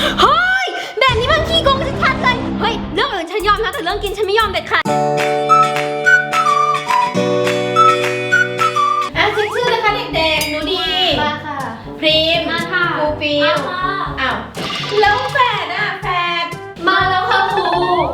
เฮ้ยแบบนี้มันขี้โกงชัดๆเลยเฮ้ยเรื่องอื่นฉันยอมนะแต่เรื่องกินฉันไม่ยอมเด็ดขาดเช็คชื่อนะคะเด็กๆหนูดีมาค่ะพริมมาค่ะครูฟิลอ้าวแล้วแฝดมาแล้วค่ะครู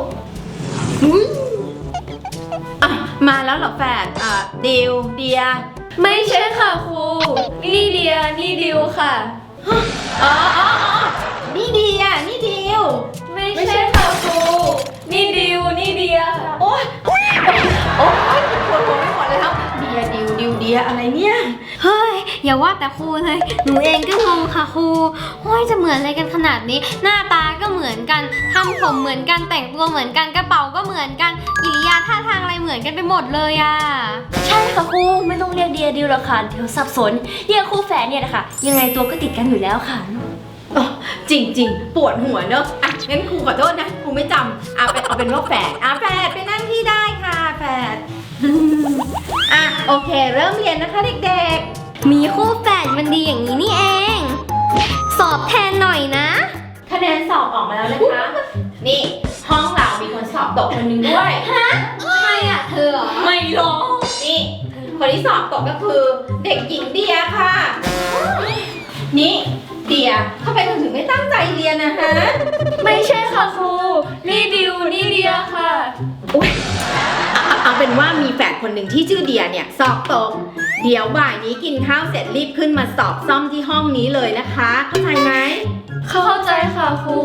มาแล้วเหรอแฝดดิวเดียไม่ใช่ค่ะครูนี่เดียนี่ดิวค่ะอ๋อนี่เดียนี่ดิวไม่ใช่ค่ะครูนี่ดิวนี่เดียโอ๊ยปวดหัวไม่หมดเลยครับเดียดิวเดียอะไรเนี่ยเฮ้ยอย่าว่าแต่ครูเลยหนูเองก็งงค่ะครูโอ้ยจะเหมือนอะไรกันขนาดนี้หน้าตาก็เหมือนกันทำผมเหมือนกันแต่งตัวเหมือนกันกระเป๋าก็เหมือนกันกิริยาท่าทางอะไรเหมือนกันไปหมดเลยอ่ะใช่ค่ะครูไม่ต้องเรียกเดียดิวหรอกค่ะเดี๋ยวสับสนเรียกคู่แฝดเนี่ยนะคะยังไงตัวก็ติดกันอยู่แล้วค่ะจริงปวดหัวเนอะงั้นครูขอโทษนะครูไม่จำเอาเป็นว่าแฝดแฝดไปนั่งที่ได้ค่ะแฝดโอเคเริ่มเรียนนะคะเด็กๆมีคู่แฝดมันดีอย่างนี้นี่เองสอบแทนหน่อยนะคะแนนสอบออกมาแล้วนะคะนี่ห้องเรามีคนสอบตกคนหนึ่งด้วยฮะใครอะเธอเหรอไม่หรอกนี่คนที่สอบตกก็คือเด็กหญิงเดียค่ะนี่เดียทำไมถึงไม่ตั้งใจเรียนนะฮะไม่ใช่ค่ะครูนี่ดิวนี่เดียค่ะอุ๊ยเอาเป็นว่ามีแฝดคนหนึ่งที่ชื่อเดียเนี่ยสอบตกเดี๋ยวบ่ายนี้กินข้าวเสร็จรีบขึ้นมาสอบซ่อมที่ห้องนี้เลยนะคะเข้าใจไหมเข้าใจค่ะครู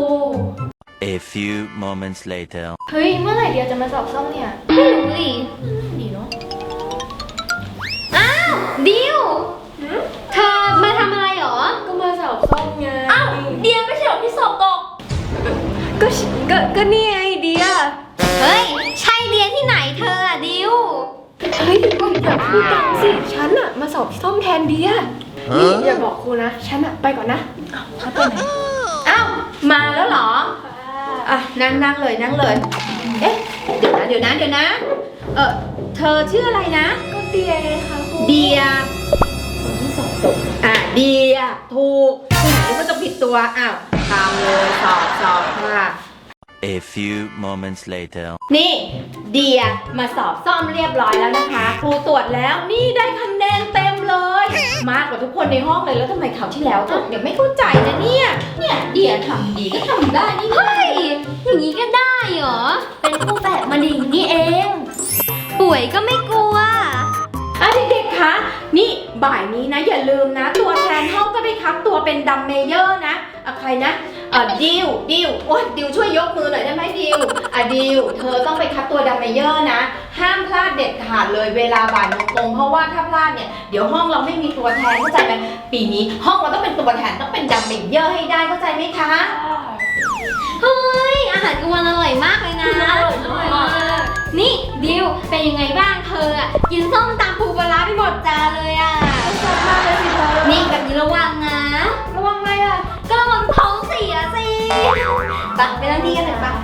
A few moments later เฮ้ยเมื่อไหร่เดียจะมาสอบซ่อมเนี่ยไม่รู้ดิดีเนาะอ้าวดิวเธอมาทำอะไรหรอก็มาสอบซ่อมไงอ้าวเดียไม่ใช่หรอที่สอบตกก็นี่ไงเดียเฮ้ยใช่เดียที่ไหนเธออะดิวเฮ้ยก็อย่าพูดดังสิฉันอะมาสอบซ่อมแทนเดียนี่อย่าบอกครูนะฉันอะไปก่อนนะฉันไปไหนมาแล้วเหรอนั่งเลยเอ๊ะเดี๋ยวนะเธอชื่ออะไรนะก็เดียไงคะครูเดียคนที่สอบตกเดียถูกคุณไหนก็จะผิดตัวตามเลยสอบค่ะ A few moments later นี่เดียมาสอบซ่อมเรียบร้อยแล้วนะคะครูตรวจแล้วนี่ได้คะแนนเต็มเลยมากกว่าทุกคนในห้องเลยแล้วทำไมคราวที่แล้วตกไม่เข้าใจนะเนี่ยเดียทำดีก็ทำได้นี่เฮ้ยอย่างนี้ก็ได้เหรอเป็นคู่แฝดมาดีนี่เองป่วยก็ไม่กลัวเด็กๆคะนี่บ่ายนี้นะอย่าลืมนะตัวแทนห้องก็ได้ครับตัวเป็นดัมเมเยอร์นะใครนะดิวโอ๊ยดิวช่วยยกมือหน่อยได้ไหมดิวดิวเธอต้องไปคัดตัวดัมเมเยอร์นะห้ามพลาดเด็ดขาดเลยเวลาบ่ายโมงตรงเพราะว่าถ้าพลาดเนี่ยเดี๋ยวห้องเราไม่มีตัวแทนเข้าใจไหมปีนี้ห้องเราต้องเป็นตัวแทนต้องเป็นดัมเมเยอร์ให้ได้เข้าใจไหมคะเฮ้ยอาหารกลางวันอร่อยมากเลยนะอร่อยมากนี่ดิวเป็นยังไงบ้างเธอกินส้มตำปูปลาไปหมดจานเลยชอบมากเลยสิเธอนี่แบบนี้ระวังนะระวังอะไรก็ระวังท้องเสียสิไปนั่งที่กันเถอะปะ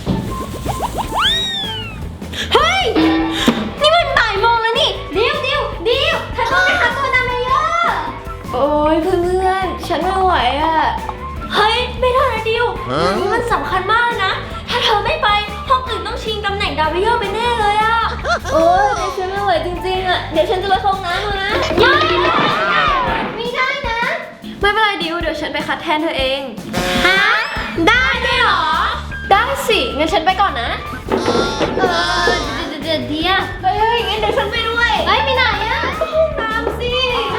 เฮ้ยนี่มันบ่ายโมงแล้วนี่ดิวเธอต้องไปหาตัวดัมเมเยอร์โอ้ยเพื่อนฉันไม่ไหวเฮ้ยไม่ได้นะดิวนี่มันสำคัญมากนะถ้าเธอไม่ไปห้องอื่นต้องชิงตำแหน่งดัมเมเยอร์ไปแน่เลยโอ้ยเดี๋ยวฉันไม่ไหวจริงๆเดี๋ยวฉันจะไปเข้าห้องน้ำนะไม่ได้นะไม่เป็นไรดิวเดี๋ยวฉันไปคัดแทนเธอเองฮะได้ด้วยเหรอได้สิงั้นฉันไปก่อนนะเดี๋ยวเฮ้ยงั้นเดี๋ยวฉันไปด้วยไปไหนห้องน้ำสิ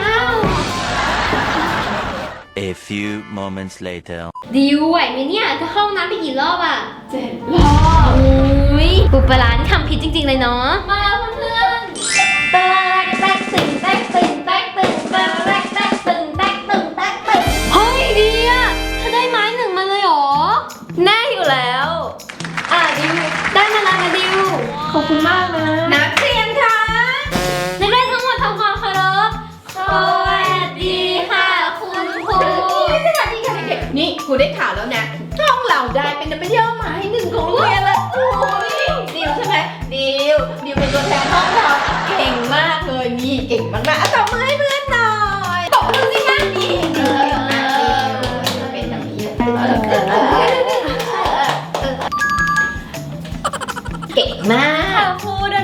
A few moments later ดิวไหวไหมเนี่ยจะเข้าน้ำไปกี่รอบ 7 รอบอุ้ยปูปลานี่ทำผิดจริงๆเลยเนาะมาแล้วเพื่อนแตกตึงเฮ้ยเดียเธอได้ไม้1มาเลยเหรอแน่อยู่แล้วดิวได้มาแล้วนะดิวขอบคุณมากนะนักเรียนค่ะนักเรียนทั้งหมดทำความเคารพสวัสดีค่ะคุณครูสวัสดีค่ะเด็กๆนี่ครูได้ข่าวแล้วนะห้องเราได้เป็นดัมเมเยอร์หมาย1ของโรงเรียนแล้วโอ้ยดิวใช่ไหมดิวเป็นตัวแทนห้องเราเก่งมากเลยนี่เก่งมากๆตบมือให้เพื่อนหน่อยตบมือสิคะนี่เป็นดัมเมเยอร์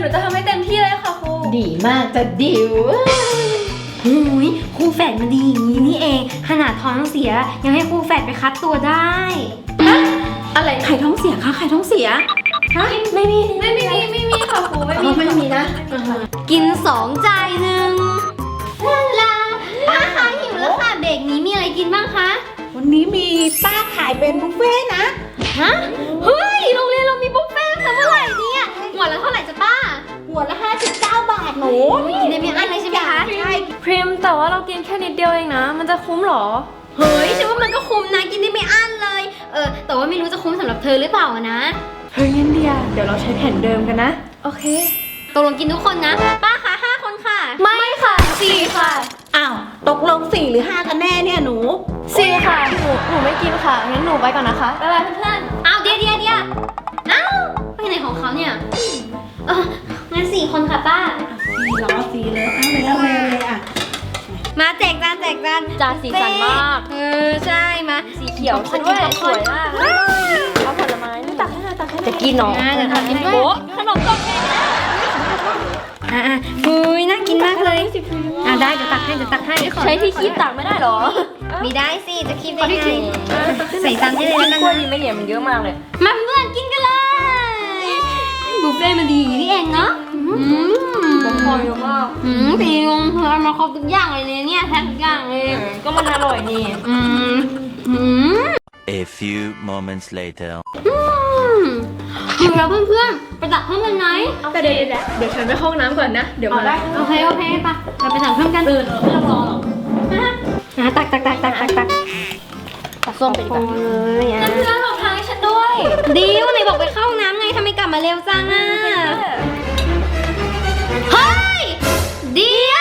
นูจะทำให้เต็มที่เลยค่ะครูดีมากจะดิวหูยครูแฝดมันดีอย่างนี้นี่เองขนาดท้องเสียยังให้ครูแฝดไปคัดตัวได้อะไรใครท้องเสียคะใครท้องเสียฮะไม่มีค่ะครูไม่มีไม่มีนะกิน2จ่าย1ลาป้าคะหิวแล้วค่ะเบรกนี้มีอะไรกินบ้างคะวันนี้มีป้าขายเป็นบุฟเฟ่ต์นะฮะเฮ้ยโรงเรียนเรามีบุฟเฟ่ต์ตั้งแต่เมื่อไหร่เนี่ยหัวละเท่าไหร่จ๊ะป้าหัวละ59 บาทหนูกินได้ไม่อั้นเลยใช่ไหมคะใช่พริมแต่ว่าเรากินแค่นิดเดียวเองนะ มันจะคุ้มเหรอเฮ้ยฉันว่ามันก็คุ้มนะกินได้ไม่อั้นเลยแต่ว่าไม่รู้จะคุ้มสำหรับเธอหรือเปล่าอะนะเฮ้ยงั้นเดียเดี๋ยวเราใช้แผ่นเดิมกันนะ โอเคตกลงกินทุกคนนะป้าคะ5 คนค่ะไม่ค่ะ4ค่ะอ้าวตกลง4 หรือ 5 กันแน่เนี่ยหนู 4ค่ะหนูไม่กินค่ะงั้นหนูไปก่อนนะคะบ๊ายบายเพื่อนเอาเดี๋ยวเอ้าไปไหนของเขาเนี่ยงั้น4 คนค่ะป้า 4 ล้อ 4 เลยเอาเลยอ่ะมาแจกจานจานสีสันมากใช่มาสีเขียวฉันด้วยสวยมากเอาผลไม้นี่ตักให้หน่อยตักให้หน่อยจะกินเนาะเดี๋ยวทำกินด้วยโบ๊ะขนมต้มแกงอุ้ยน่ากินมากเลยได้เดี๋ยวตักให้ใช้ที่คีบตักไม่ได้หรอมีได้สิจะคิดได้ไงใส่จานได้เลยแล้วกันกล้วยนะดีไหมเนี่ยมันเยอะมากเลยมาเพื่อนกินกันเลยบุฟเฟ่ต์มันดีอย่างนี้นี่เองเนาะผมพอเยอะมากตีงงเธอมาครบทุกอย่างเลยเนี่ยแทบทุกอย่างเลยก็มันอร่อยนี่ A few moments later. อยู่แล้วเพื่อนๆไปตักเพิ่มกันไหมแต่เดี๋ยวฉันไปห้องน้ำก่อนนะ เดี๋ยวมาได้โอเคปะเราไปตักเพิ่มกันไม่ต้องรอหรอกตักตักส้มไปดีกว่าเลยอ่ะเพื่อนบอกทางให้ฉันด้วยดิวไหนบอกไปเข้าน้ำไงทำไมกลับมาเร็วจังอ่ะเฮ้ยเดีย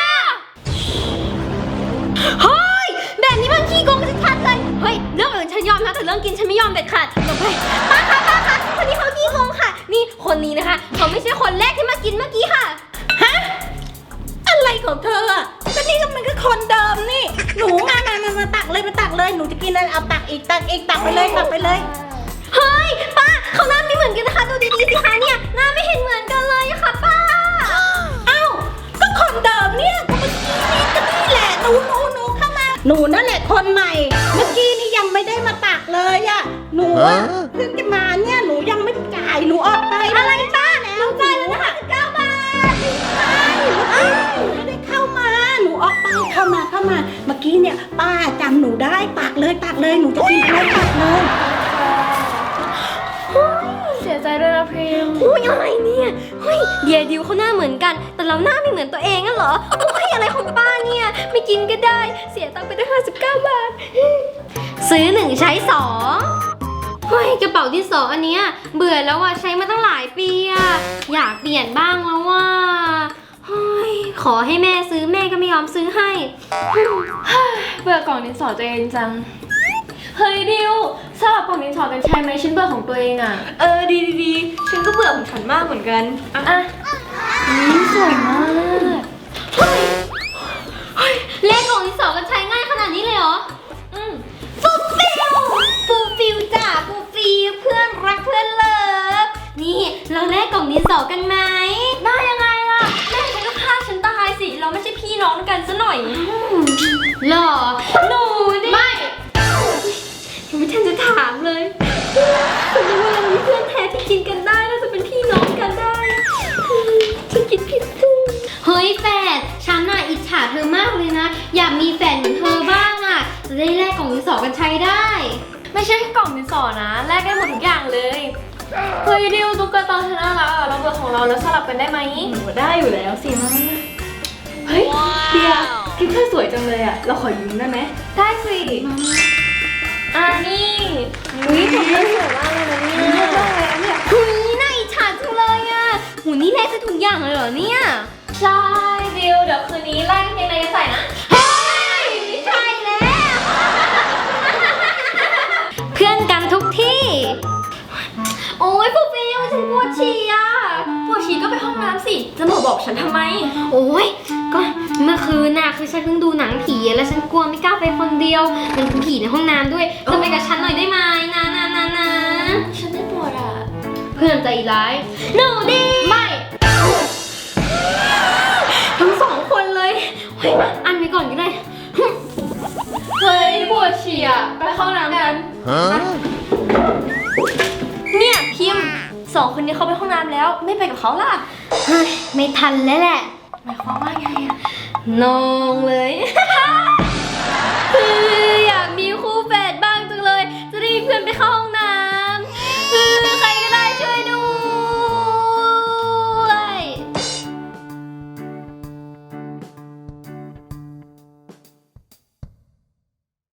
เฮ้ยแบบนี้มันขี้โกงชัดๆเลยเฮ้ยเรื่องอื่นฉันยอมนะแต่เรื่องกินฉันไม่ยอมเด็ดขาดหลบไปป้าคะคนนี้เขาขี้โกงค่ะนี่คนนี้นะคะเขาไม่ใช่คนแรกที่มากินเมื่อกี้ค่ะอะไรของเธออ่ะก็นี่ก็มันก็คนเดิมนี่ หนูมาตักเลยหนูจะกินอะไรเอาตักอีกตักไปเลยเฮ้ยป้าเขาหน้าไม่เหมือนกันนะคะดูดีๆสิคะเนี่ยหน้าไม่เห็นเหมือนกันเลยอะค่ะป้าเอ้าก็คนเดิมเนี่ยก็เมื่อกี้นี่ก็นี่แหละหนูเข้ามาหนูนั่นแหละคนใหม่ เมื่อกี้นี่ยังไม่ได้มาตักเลยอ่ะหนูอะเพิ่งจะมาเนี่ยหนูยังไม่จ่ายหนูออกไปอะไรป้าหนูจ่ายแล้วนะคะ9 บาทไม่ได้เข้ามาหนูออกไปเข้ามาเมื่อกี้เนี่ยป้าจำหนูได้ตักเลยหนูจะกินอะไรตักเลยเสียใจด้วยนะพริมอุ้ยอะไรเนี่ยเฮ้ยเดียดิวเขาหน้าเหมือนกัน แต่เราหน้าไม่เหมือนตัวเองอะเหรอโอ้ยอะไรของป้าเนี่ยไม่กินก็ได้เสียตังค์ไปได้59 บาทซื้อ1ใช้2เฮ้ยกระเป๋าดินสออันเนี้ยเบื่อแล้วอะใช้มาตั้งหลายปีอะอยากเปลี่ยนบ้างแล้วว่าเฮ้ยขอให้แม่ซื้อแม่ก็ไม่ยอมซื้อให้เบื่อกล่องดินสอตัวเองจัง เฮ้ยดิวสลับกล่องดินสอกันใช่ไหมฉันเบื่อของตัวเองอ่ะ ดีฉันก็เบื่อของฉันมากเหมือนกัน อ่ะนี่สวยมากเลขของดินสอกันใช้ง่ายขนาดนี้เลยเหรอฟูฟิลจ้ะฟูฟิลเพื่อนรักเพื่อนเลิฟนี่เราแลกกล่องดินสอกันไหมได้ยังไงล่ะแม่ฉันก็ฆ่าฉันตายสิ เราไม่ใช่พี่น้องกันซะหน่อยหรอหนูดิไม่ยังไม่ทันจะถามเลยฉันนึกว่าเราเป็นเพื่อนแท้ที่กินกันได้น่าจะเป็นพี่น้องกันได้ฉันคิดผิดเฮ้ยแฟนฉันน่ะอิจฉาเธอมากเลยนะอยากมีแฟนเหมือนเธอบ้างอ่ะจะได้แลกกล่องดินสอกันใช้ได้ไม่ใช่แค่กล่องดินสอนะแลกได้หมดทุกอย่างเลย เฮ้ยดิวตุ๊กตาฉันน่ารักอ่ะเราเบื่อของเราแล้วสลับกันได้ไหมได้อยู่แล้วสิมาเฮ้ยเดียคลิปเธอสวยจังเลยอ่ะ เราขอยืมได้ไหมได้สินี่อุ้ยผมเธอสวยมากเลยนะเนี่ยหุยน่าอิจฉาจังเลยอ่ะหูนี่แลกได้ทุกอย่างเลยเหรอเนี่ยใช่ดิวเดี๋ยวคืนนี้ไล่กางเกงในจะใส่นะเฮ้ยไม่ใช่แล้ว เพื่อนกันทุกที่ โอ้ยฟูฟิลฉันปวดฉี่อ่ะปวดฉี่ก็ไปห้องน้ำสิ จะมาบอกฉันทำไมโอ้ยก็เมื่อคืนน่ะคือฉันเพิ่งดูหนังผีแล้วฉันกลัวไม่กล้าไปคนเดียวมันเป็นผีในห้องน้ำด้วยเธอไปกับฉันหน่อยได้ไหมนะฉันไม่ปวดอ่ะเพื่อนใจร้ายหนูดีไม่เฮ้ยอันไว้ก่อนก็ได้เฮ้ยปวดฉี่อ่ะไปเข้าน้ำกัน Huh? เนี่ยพิมพ์สองคนนี้เขาไปห้องน้ำแล้วไม่ไปกับเขาล่ะเฮ้ยไม่ทันแล้วแหละหมายความว่าไงอ่ะนองเลย